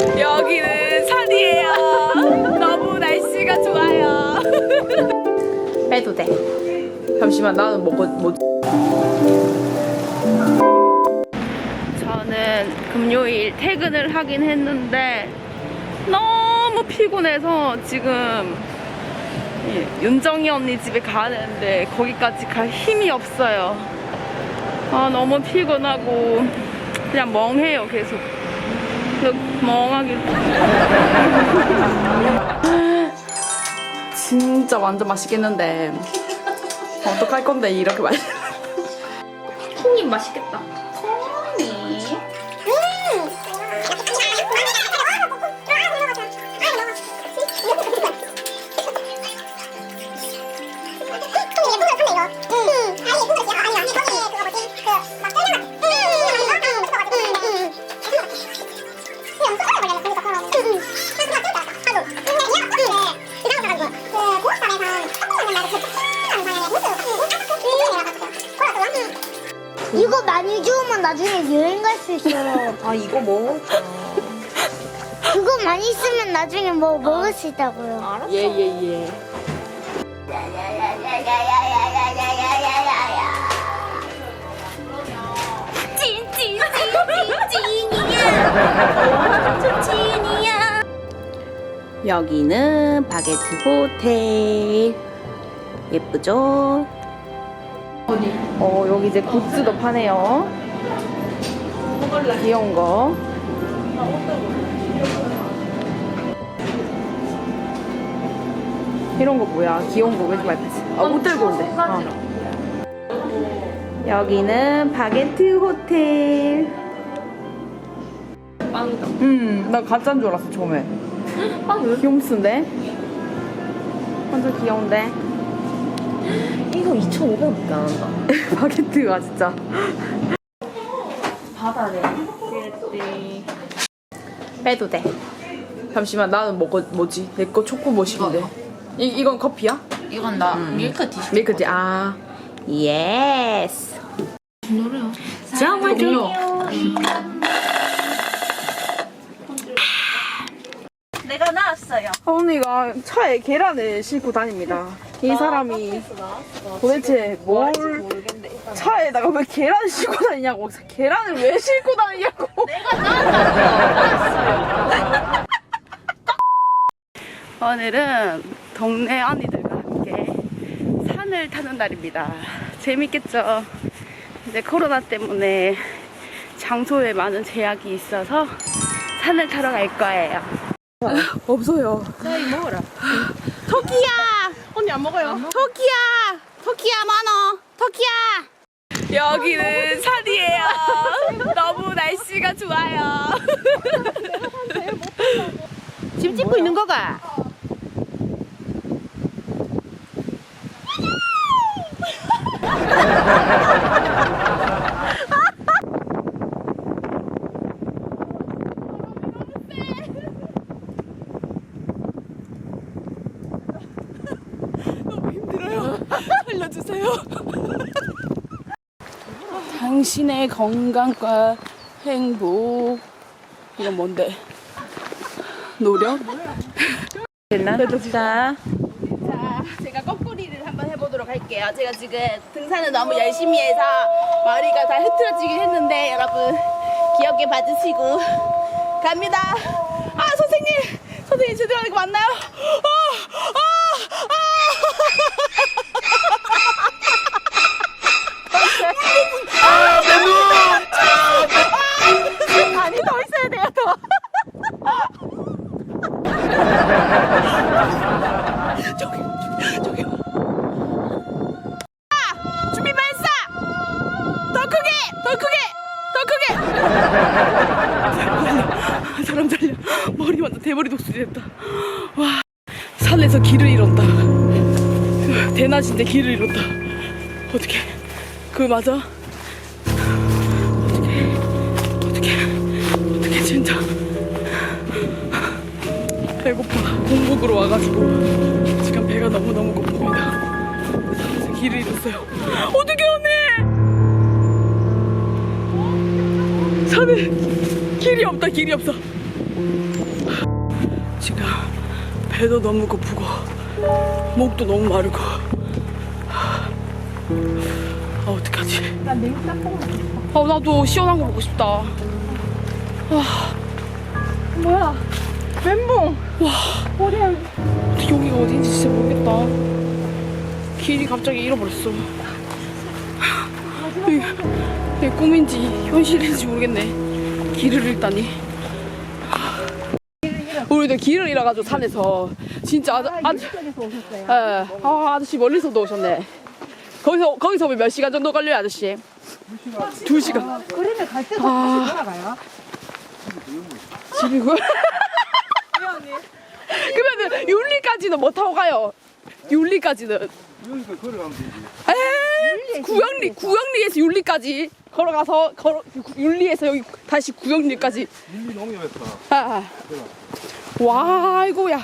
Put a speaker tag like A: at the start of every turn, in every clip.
A: 여기는 산이에요. 너무 날씨가 좋아요. 빼도 돼. 잠시만, 나는 뭐 저는 금요일 퇴근을 하긴 했는데 너무 피곤해서 지금 윤정이 언니 집에 가는데 거기까지 갈 힘이 없어요. 아, 너무 피곤하고 그냥 멍해요. 계속 멍하게. 진짜 완전 맛있겠는데 어떡할 건데 이렇게 맛있. 콩이 맛있겠다. 콩이.
B: 이거 많이 주우면 나중에 여행 갈 수 있어요.
C: 아, 이거 뭐?
B: 그거 많이 쓰면 나중에 뭐 먹을 수 있다고요.
C: 알았어.
A: 예.
B: 찐이야.
A: 여기는 바게트 호텔. 예쁘죠? 여기 이제 굿즈도 파네요. 귀여운 거. 이런 거 뭐야? 귀여운 거 왜 이렇게 많이 파지? 옷 들고 온대. 여기는 바게트 호텔.
C: 빵이다.
A: 나 가짜인 줄 알았어, 처음에.
C: 빵 왜?
A: 귀염스인데? 완전 귀여운데?
C: 이거 2,500원밖에 안 한다.
A: 바게트가 진짜.
C: 바다네.
A: 빼도 돼. 잠시만, 나는 뭐지? 내 거 초코 머신인데. 이건 커피야?
C: 이건 나 밀크티.
A: 밀크티. 아, 예스.
C: 노래요.
A: 정말 좋아요.
C: 내가 나왔어요.
A: 언니가 차에 계란을 싣고 다닙니다. 이 사람이 도대체 뭘 차에다가 왜 계란을 싣고 다니냐고. 계란을 왜 싣고 다니냐고.
C: 내가 나왔어요.
A: 오늘은 동네 언니들과 함께 산을 타는 날입니다. 재밌겠죠? 이제 코로나 때문에 장소에 많은 제약이 있어서 산을 타러 갈 거예요. 없어요.
C: 저희 먹어라.
A: 토끼야!
C: 언니 안 먹어요?
A: 토끼야 많어. 토끼야. 여기는 산이에요. 너무 날씨가 좋아요.
C: 집 짓고 있는 거가?
A: 너무 힘들어요. 살려주세요. 당신의 건강과 행복. 이건 뭔데? 노력? 됐나? 됐다. 자, 제가 거꾸리를 한번 해보도록 할게요. 제가 지금 등산을 너무 열심히 해서 머리가 다 흐트러지긴 했는데 여러분 귀엽게 봐주시고 갑니다. 아, 선생님 제대로 하는 거 맞나요? 아니, 더 있어야 돼요, 더. 저기. 준비 발사! 더 크게! 사람 살려. 머리 완전 대머리 독수리 됐다. 와, 산에서 길을 잃었다. 대낮인데 길을 잃었다. 어떡해. 그거 맞아? 어떡해 진짜. 배고파. 공복으로 와가지고 지금 배가 너무너무 고픕니다. 산에서 길을 잃었어요. 어떡해 언니. 산에 길이 없다. 길이 없어. 지금 배도 너무 고프고 목도 너무 마르고 어떡하지?
C: 나 냉 짬뽕.
A: 나도 시원한 거 먹고 싶다.
C: 뭐야? 멘붕.
A: 와,
C: 머리에.
A: 여기가 어딘지 진짜 모르겠다. 길이 갑자기 잃어버렸어. 이게 꿈인지 현실인지 모르겠네. 길을 잃다니. 우리도 길을 잃어가지고 산에서 진짜
C: 이쪽에서 오셨어요?
A: 아저씨 멀리서도 오셨네. 거기서 몇 시간 정도 걸려요, 아저씨? 2시간.
C: 그러면 갈 때도
A: 아.
C: 다시 돌아가요?
A: 집이고요. 그러면 율리까지는 못 타고 가요. 율리까지는.
D: 여기서 걸어가면 되지.
A: 구영리에서 율리까지 걸어가서 율리에서 여기 다시 구영리까지.
D: 밀리 농협에서.
A: 와, 아이고야.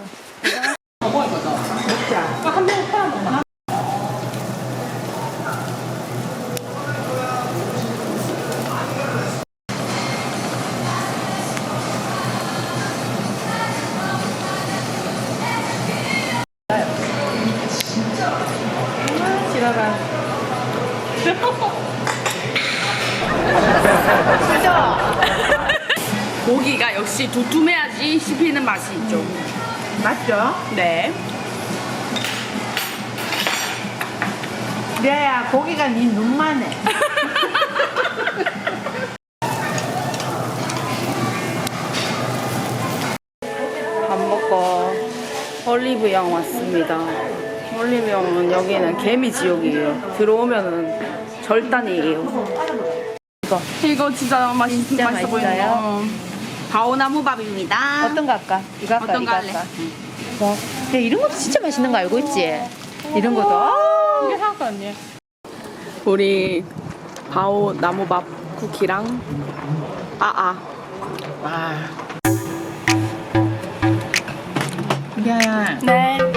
A: 고기가 역시 두툼해야지 씹히는 맛이 있죠.
C: 맞죠?
A: 네.
C: 레아야, 고기가 네 눈만 해.
A: 밥 먹고 올리브영 왔습니다. 올리브영은 여기는 개미 지옥이에요. 들어오면은 절단이에요. 이거 진짜 맛있어
C: 맛있어요?
A: 보여요. 바오나무밥입니다.
C: 어떤 거 할까? 이거 할까?
A: 어떤
C: 이거
A: 거 할래?
C: 할까? 뭐? 야, 이런 것도 진짜 맛있는 거 알고 있지? 이런 것도.
A: 이게 사과 언니. 우리 바오나무밥 쿠키랑
C: 와. 레아야,
A: 네.